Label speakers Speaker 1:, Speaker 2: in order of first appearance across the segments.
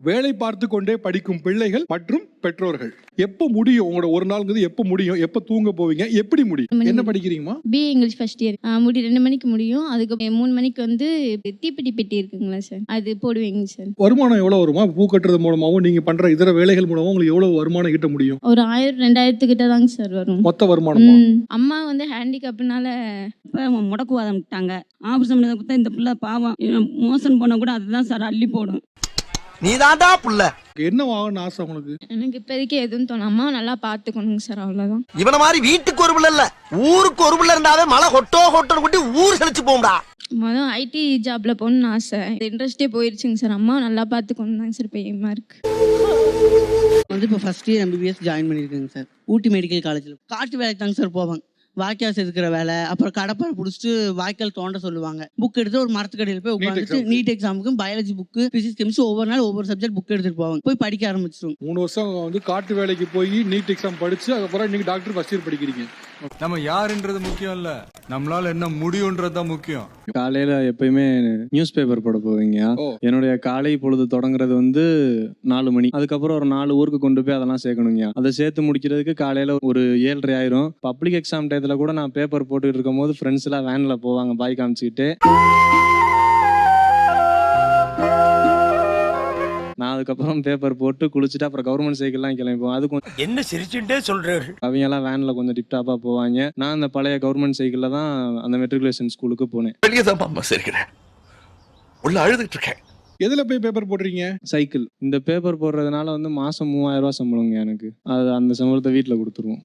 Speaker 1: வேலை பார்த்து கொண்டே படிக்கும் பிள்ளைகள் மற்றும் பெற்றோர்கள். எப்ப முடியும் உங்களோட ஒரு நாள்ங்கிறது? எப்ப முடியும்? எப்ப தூங்க போவீங்க? எப்படி முடியும்? என்ன படிக்கிறீங்கம்மா?
Speaker 2: BA English first year. 2 மணிக்கு முடியும். அதுக்கு 3 மணிக்கு வந்து தீப்பெட்டி பெட்டி இருக்குங்களா சார், அது போடுவீங்க சார்.
Speaker 1: வருமானம் எவ்வளவு வருமா? பூ கட்டுறது மூலமாவும் நீங்க பண்ற இதர வேலைகள் மூலமா உங்களுக்கு எவ்வளவு வருமானம் ஈட்ட முடியும்?
Speaker 2: ஒரு 1000-2000 கிட்ட தாங்க சார் வரும்
Speaker 1: மொத்த வருமானமா?
Speaker 2: அம்மா வந்து ஹேண்டிகேப்னால
Speaker 3: முடக்குவாதம் விட்டாங்க. ஆபரேஷன் பண்ணதை கொடுத்தா இந்த பிள்ளை பாவம் மோசன் பண்ண கூட அதுதான் சார் அள்ளி போடும்.
Speaker 4: நீதான்டா புள்ள.
Speaker 1: என்ன ஆகணும்னு ஆசை உங்களுக்கு?
Speaker 2: எனக்கு இப்போதைக்கு எதுவும் தோணும். அம்மா நல்லா பாத்துக்கணுங்க சார், அவ்வளவுதான்.
Speaker 4: இவன மாதிரி வீட்டுக்கு ஒரு பிள்ளை இல்ல, ஊருக்கு ஒரு பிள்ளை இருந்தாவே மழை ஹொட்டோன்னு கொட்டி ஊர் செழிச்சு போகும்டா.
Speaker 2: மொதல் ஐடி ஜாப்ல போகணும்னு ஆசை. இன்ட்ரெஸ்டே போயிருச்சுங்க சார். அம்மா நல்லா பாத்துக்கணும் தாங்க சார் பயமா இருக்கு.
Speaker 5: வந்து இப்போ ஃபர்ஸ்ட் இயர் எம்பிபிஎஸ் ஜாயின் பண்ணியிருக்கேங்க சார். ஊட்டி மெடிக்கல் காலேஜில் காட்டு வேலைக்கு தாங்க சார் போவாங்க. வாய்க்கால் செதுக்கிற வேலை, அப்புறம் கடப்பாறை பிடிச்சிட்டு வாய்க்கால் தோண்ட சொல்லுவாங்க. புக் எடுத்து ஒரு மரத்துக்கடையில் போய் உட்காந்துட்டு நீட் எக்ஸாமுக்கு பயாலஜி புக்கு, பிசிக்ஸ், கெமிஸ்ட்ரி ஒவ்வொரு நாள் ஒவ்வொரு சப்ஜெக்ட் புக் எடுத்துட்டு போவாங்க. போய் படிக்க ஆரம்பிச்சிருவோம்.
Speaker 1: 3 வருஷம் வந்து காட்டு வேலைக்கு போய் நீட் எக்ஸாம் படிச்சு அதுக்கப்புறம் நீங்க டாக்டர் ஃபர்ஸ்ட் இயர் படிக்கிறீங்க.
Speaker 6: நம்ம யாருன்றது முக்கியம் இல்ல, நம்மளால என்ன முடியும்ன்றதுதான் முக்கியம்.
Speaker 7: காலையில எப்பயுமே நியூஸ் பேப்பர் போட போவீங்க. என்னுடைய காலை பொழுது தொடங்குறது வந்து 4 மணி. அதுக்கப்புறம் ஒரு 4 ஊருக்கு கொண்டு போய் அதெல்லாம் சேர்க்கணுங்க. அதை சேர்த்து முடிக்கிறதுக்கு காலையில ஒரு 7:30 ஆயிரும். பப்ளிக் எக்ஸாம் டயத்துல கூட நான் பேப்பர் போட்டுட்டு இருக்கும் போது ஃப்ரெண்ட்ஸ் எல்லாம் வேன்ல போவாங்க பாய் காமிச்சுக்கிட்டு. நான் அதுக்கப்புறம் பேப்பர் போட்டு குளிச்சுட்டு அப்புறம் கவர்மெண்ட் சைக்கிள்லாம் கிளம்பிப்போம். அது கொஞ்சம்
Speaker 4: என்ன சிரிச்சுட்டே சொல்றாரு.
Speaker 7: அவங்க எல்லாம் வேன்ல கொஞ்சம் டிப்டாப்பா போவாங்க. நான் அந்த பழைய கவர்மெண்ட் சைக்கிள்ல தான் அந்த மெட்ரிகுலேஷன் ஸ்கூலுக்கு போனேன்.
Speaker 4: வெளியே தான் சிரிக்கிறேன், உள்ள அழுதுட்டு இருக்கேன்.
Speaker 1: எதுல போய் பேப்பர் போடுறீங்க?
Speaker 7: சைக்கிள். இந்த பேப்பர் போடுறதுனால வந்து மாசம் 3000 ரூபாய் சம்பளங்க எனக்கு. அது அந்த சம்பளத்தை வீட்டுல கொடுத்துருவோம்.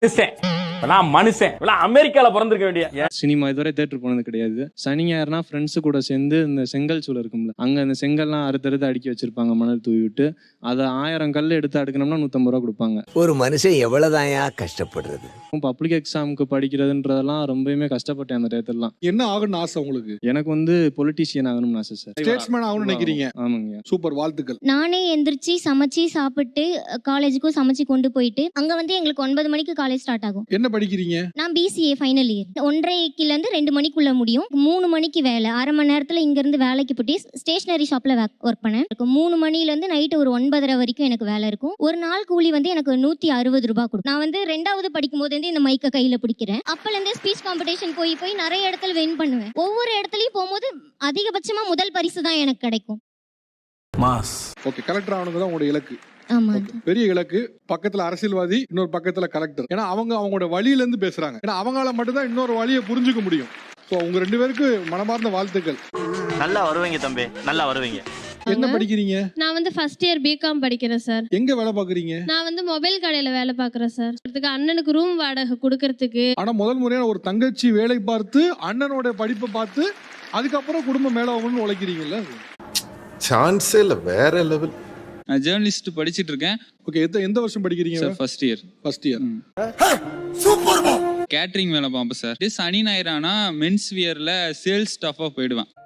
Speaker 8: மனுஷன் அமெரிக்கால பிறந்திருக்க வேண்டிய.
Speaker 7: சினிமா இதுவரை தேட்டர் போனது கிடையாது. சனி ஞாயிறுனா ஃப்ரெண்ட்ஸ் கூட சேர்ந்து இந்த செங்கல் சூளை இருக்கும்ல, அங்க அந்த செங்கல்லாம் அறுத்தறுத்து அடுக்கி வச்சிருப்பாங்க மணல் தூவி விட்டு. அதை 1000 கல் எடுத்து அடுக்கணும்னா 150 ரூபா கொடுப்பாங்க.
Speaker 4: ஒரு மனுஷன் எவ்வளவுதான் கஷ்டப்படுறது.
Speaker 7: பப்ளிக் எக்ஸாமுக்கு படிக்கிறதுன்றதெல்லாம் ரொம்பவுமே கஷ்டப்பட்டேன் அந்த டயத்துலாம்.
Speaker 1: என்ன ஆகணும்னு ஆசை உங்களுக்கு?
Speaker 7: எனக்கு வந்து பொலிட்டீஷியன் ஆகணும்னு ஆசை சார்.
Speaker 1: ஸ்டேட்ஸ்மேன் ஆகணும்னு நினைக்கிறீங்க?
Speaker 7: ஆமாங்க.
Speaker 1: சூப்பர், வாழ்த்துக்கள்.
Speaker 9: நானே எந்திரிச்சு சமைச்சு சாப்பிட்டு காலேஜுக்கும் சமைச்சு கொண்டு போயிட்டு அங்க வந்து எங்களுக்கு 9 மணிக்கு காலேஜ் ஸ்டார்ட் ஆகும்.
Speaker 1: என்ன படிக்கிறீங்க?
Speaker 9: நான் பிசிஏ ஃபைனல் இயர். 1:30ல இருந்து 2 மணிக்குள்ள முடியும். 3 மணிக்கு வேலை. அரை மணி நேரத்துல இங்க இருந்து வேலைக்கு போட்டு ஸ்டேஷனரி ஷாப்ல ஒர்க் பண்ணேன். 3 மணில இருந்து நைட்டு ஒரு 9:30 வரைக்கும் எனக்கு வேலை இருக்கும். ஒரு நாள் கூலி வந்து எனக்கு 160 ரூபாய் கொடுக்கும். நான் வந்து 2வது படிக்கும் போது இந்த மைக்க கையில பிடிக்கிறேன். அப்பல இருந்தே ஸ்பீச் காம்படிஷன் போய் நிறைய இடத்துல வின் பண்ணுவேன். ஒவ்வொரு இடத்துலயும் போகும்போது அதிகபட்சமா முதல் பரிசு தான் எனக்கு கிடைக்கும்.
Speaker 6: மாஸ்.
Speaker 1: ஓகே, கலெக்டர் ஆகணுங்க தான் உங்களோட இலக்கு.
Speaker 9: ஆமா,
Speaker 1: பெரிய இலக்கு. பக்கத்துல அரசியல்வாதி, இன்னொரு பக்கத்துல கலெக்டர். ஏன்னா அவங்க அவங்களோட வழியில இருந்து பேசுறாங்க. ஏன்னா அவங்களால மட்டும்தான் இன்னொரு வழியை புரிஞ்சுக்க முடியும். ஸோ உங்க 2 பேருக்கு மனமார்ந்த வாழ்த்துக்கள்.
Speaker 8: நல்லா வருவீங்க தம்பி, நல்லா வருவீங்க.
Speaker 1: என்ன படிக்கிறீங்க?
Speaker 2: நான் வந்து ஃபர்ஸ்ட் இயர் பிகாம் படிக்கிறேன் சார்.
Speaker 1: எங்க வேலை பாக்குறீங்க?
Speaker 2: நான் வந்து மொபைல் கடையில வேலை பாக்குறேன் சார். அண்ணனுக்கு ரூம் வாடகை கொடுக்கறதுக்கு.
Speaker 1: ஆனா முதல் முறையான ஒரு தங்கச்சி வேலை பார்த்து அண்ணனோட படிப்பை பார்த்து அதுக்கப்புறம் குடும்பம் மேல ஆகணும்னு உழைக்கிறீங்கல்ல?
Speaker 10: சான்ஸே இல்ல, வேற லெவல்.
Speaker 11: நான் ஜேர்னலிஸ்ட் படிச்சிட்டு இருக்கேன்.
Speaker 1: ஓகே, எந்த வருஷம் படிக்கிறீங்க?
Speaker 11: Sir first year.
Speaker 4: Super.
Speaker 11: Catering வேலை பார்ப்பேன் சார். சனி ஞாயிறு ஆனா மென்ஸ் வியர்ல சேல்ஸ் ஸ்டாஃபா போயிடுவேன்.